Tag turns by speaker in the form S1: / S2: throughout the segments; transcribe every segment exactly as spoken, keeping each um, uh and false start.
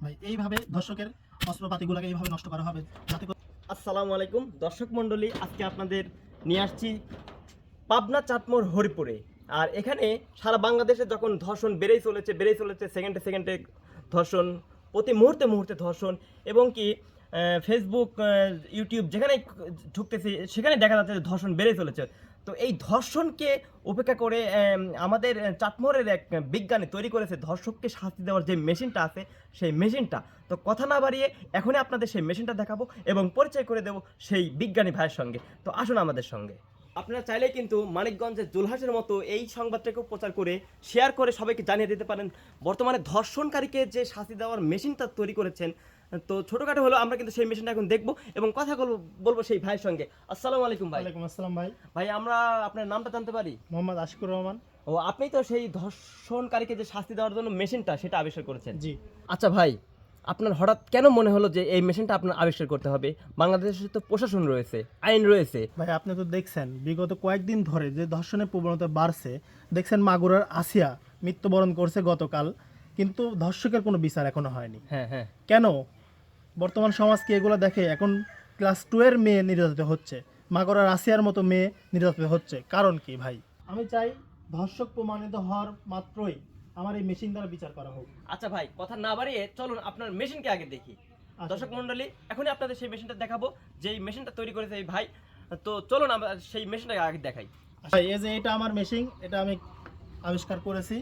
S1: ভাই এইভাবে দর্শকের অস্ত্রপাতিগুলোকে এইভাবে নষ্ট করা হবে যাতে করে।
S2: আসসালামু আলাইকুম দর্শক মণ্ডলী, আজকে আপনাদের নিয়ে আসছি পাবনা চাটমোড় হরিপুরে। আর এখানে সারা বাংলাদেশে যখন ধর্ষণ বেড়েই চলেছে বেড়েই চলেছে সেকেন্ডে সেকেন্ডে ধর্ষণ, প্রতি মুহূর্তে মুহূর্তে ধর্ষণ, এবং কি আহ, ফেসবুক আহ, ইউটিউব যেখানে ঢুকতেছি সেখানে দেখা যাচ্ছে যে ধর্ষণ বেড়ে চলেছে। তো এই ধর্ষণকে উপেক্ষা করে আম, আমাদের চাটমোড়ের এক বিজ্ঞানী তৈরি করেছে ধর্ষককে শাস্তি দেওয়ার যে মেশিনটা আছে সেই মেশিনটা। তো কথা না বাড়িয়ে এখনই আপনাদের সেই মেশিনটা দেখাবো এবং পরিচয় করে দেবো সেই বিজ্ঞানী ভাইয়ের সঙ্গে। তো আসুন আমাদের সঙ্গে। আপনারা চাইলে কিন্তু মানিকগঞ্জের জুলহাসের মতো এই সংবাদটাকেও প্রচার করে শেয়ার করে সবাইকে জানিয়ে দিতে পারেন বর্তমানে ধর্ষণকারীকে যে শাস্তি দেওয়ার মেশিনটা তৈরি করেছেন। তো ছোটখাটো হলো আমরা কিন্তু সেই মেশিনটা এখন দেখবো এবং কথা বলবো বলবো সেই ভাইয়ের সঙ্গে। আসসালামু আলাইকুম ভাই।
S1: ওয়ালাইকুম আসসালাম ভাই।
S2: ভাই আমরা আপনার নামটা জানতে পারি?
S1: মোহাম্মদ আশিকুর রহমান।
S2: ও, আপনি তো সেই ধর্ষণকারীকে যে শাস্তি দেওয়ার জন্য মেশিনটা সেটা আবিষ্কার করেছেন।
S1: জি।
S2: আচ্ছা ভাই, আপনার হঠাৎ কেন মনে হলো যে এই মেশিনটা আপনার আবিষ্কার করতে হবে? বাংলাদেশে তো প্রশাসন রয়েছে, আইন রয়েছে।
S1: ভাই আপনি তো দেখছেন বিগত কয়েকদিন ধরে যে ধর্ষণের প্রবণতা বাড়ছে, দেখছেন মাগুরার আসিয়া মৃত্যুবরণ করছে গতকাল, কিন্তু ধর্ষকের কোনো বিচার এখনো হয়নি।
S2: হ্যাঁ হ্যাঁ।
S1: কেন? বর্তমান সমাজ কি এগুলো দেখে? এখন ক্লাস টু এর মেয়ে নির্যাতিত হচ্ছে, মাগুরার আসিয়ার মতো মেয়ে নির্যাতিত হচ্ছে, কারণ কি ভাই? আমি চাই ধর্ষক প্রমাণিত হওয়ার মাত্রই আমার এই মেশিন দ্বারা বিচার করা হোক।
S2: আচ্ছা ভাই, কথা না বাড়িয়ে চলুন আপনার মেশিনকে আগে দেখি।
S1: আচ্ছা।
S2: দর্শক মণ্ডলী, এখনই আপনাদের সেই মেশিনটা দেখাবো, যেই মেশিনটা তৈরি করেছে এই ভাই। তো চলুন আমরা সেই মেশিনটাকে আগে দেখাই।
S1: ভাই এই যে এটা আমার মেশিন, এটা আমি আবিষ্কার করেছি।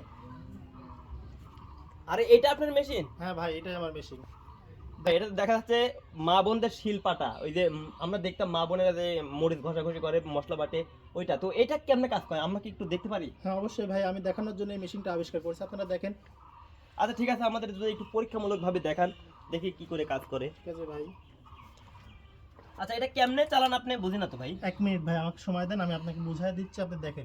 S2: আরে এটা আপনার মেশিন?
S1: হ্যাঁ ভাই, এটাই আমার মেশিন।
S2: ভাই এটা দেখা যাচ্ছে মা বোনদের শিলপাটা, ওই যে উম, আমরা দেখতাম মা বোনেরা যে মরিচ ঘষাঘষি করে মশলা বাটে ওইটা। তো এটা কেমনে কাজ করে আমরা কি একটু দেখতে পারি?
S1: হ্যাঁ অবশ্যই ভাই, আমি দেখানোর জন্য এই মেশিনটা আবিষ্কার করেছি, আপনারা দেখেন।
S2: আচ্ছা ঠিক আছে, আমাদের যদি একটু পরীক্ষামূলকভাবে দেখান, দেখি কি করে কাজ করে।
S1: ঠিক আছে ভাই।
S2: আচ্ছা এটা কেমনে চালান আপনি? বুঝি না তো ভাই।
S1: এক মিনিট ভাই, আমাকে সময় দেন, আমি আপনাকে বুঝাই দিচ্ছি, আপনি দেখেন।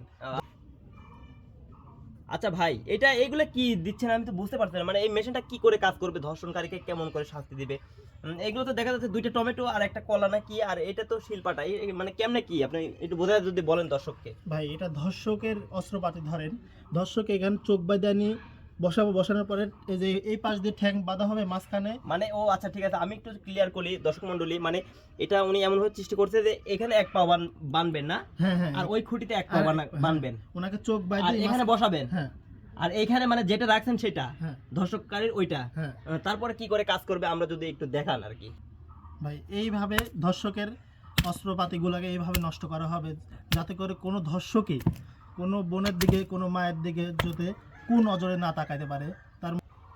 S2: আচ্ছা ভাই, এটা এগুলো কি দিচ্ছেন আমি তো বুঝতে পারছি না, মানে এই মেশিনটা কি করে কাজ করবে, ধর্ষণকারীকে কেমন করে শাস্তি দিবে? উম, এগুলো তো দেখা যাচ্ছে দুইটা টমেটো আর একটা কলা না কি, আর এটা তো শিলপাটা, এই- এই মানে কেমনে কি আপনি একটু বোঝায় যদি বলেন দর্শককে।
S1: ভাই এটা ধর্ষকের অস্ত্রপাতি, ধরেন ধর্ষক এখানে চোখ বাঁধানি বসাবো, বসানোর পরে এই যে এই পাশ দিয়ে ঠ্যাং বাঁধা হবে মাঝখানে।
S2: মানে ও আচ্ছা ঠিক আছে, আমি একটু ক্লিয়ার করি দর্শক মণ্ডলী, মানে এটা উনি এমন ভাবে চেষ্টা করছে যে এখানে এক পা বান- বানবেন না,
S1: হ্যাঁ হ্যাঁ।
S2: আর ওই খুঁটিতে এক পা
S1: আর-
S2: বানা-
S1: হ্যাঁ,
S2: বানবেন,
S1: ওনাকে চোখ
S2: আর
S1: বাঁধে
S2: এখানে বসাবেন,
S1: হ্যাঁ
S2: আর এইখানে মানে যেটা রাখছেন সেটা
S1: হ্যাঁ
S2: ধর্ষককারীর ওইটা।
S1: হ্যাঁ।
S2: আহ, তারপরে কি করে কাজ করবে আমরা যদি একটু দেখান আর কি।
S1: ভাই এইভাবে ধর্ষকের অস্ত্রপাতিগুলোকে এইভাবে নষ্ট করা হবে যাতে করে কোনো ধর্ষকই কোনো বোনের দিকে, কোনো মায়ের দিকে যাতে কোন নজরে না তাকাইতে পারে। তার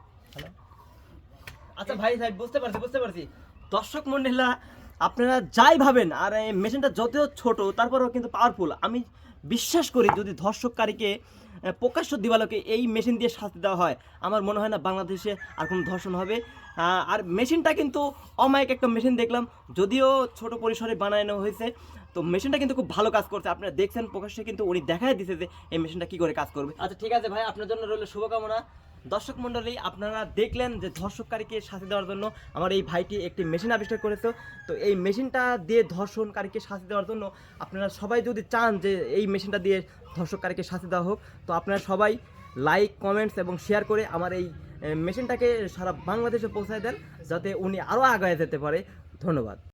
S2: আচ্ছা ভাই ভাই বুঝতে পারছি বুঝতে পারছি দর্শক মন্ডলীরা, আপনারা যাই ভাবেন আর এই মেশিনটা যদিও ছোট তারপরেও কিন্তু পাওয়ারফুল। আমি বিশ্বাস করি যদি ধর্ষককারীকে আহ, প্রকাশ্য দিবালোকে এই মেশিন দিয়ে শাস্তি দেওয়া হয়, আমার মনে হয় না বাংলাদেশে আর কোনো ধর্ষণ হবে। আহ, আর মেশিনটা কিন্তু অমায়িক একটা মেশিন দেখলাম, যদিও ছোট পরিসরে বানানো হয়েছে। তো মেশিনটা কিন্তু খুব ভালো কাজ করছে, আপনারা দেখছেন প্রকাশ্যে কিন্তু উনি দেখাই দিছে যে এই মেশিনটা কি করে কাজ করবে। আচ্ছা ঠিক আছে ভাই, আপনার জন্য রইল শুভকামনা। দর্শক মণ্ডলী, আপনারা দেখলেন যে ধর্ষককারীকে শাস্তি দেওয়ার জন্য আমার এই ভাইটি একটি মেশিন আবিষ্কার করেছে। তো এই মেশিনটা দিয়ে ধর্ষণকারীকে শাস্তি দেওয়ার জন্য আপনারা সবাই যদি চান যে এই মেশিনটা দিয়ে ধর্ষককারীকে শাস্তি দেওয়া হোক, তো আপনারা সবাই লাইক, কমেন্টস এবং শেয়ার করে আমার এই মেশিনটাকে সারা বাংলাদেশে পৌঁছায় দেন যাতে উনি আরও আগায় যেতে পারে। ধন্যবাদ।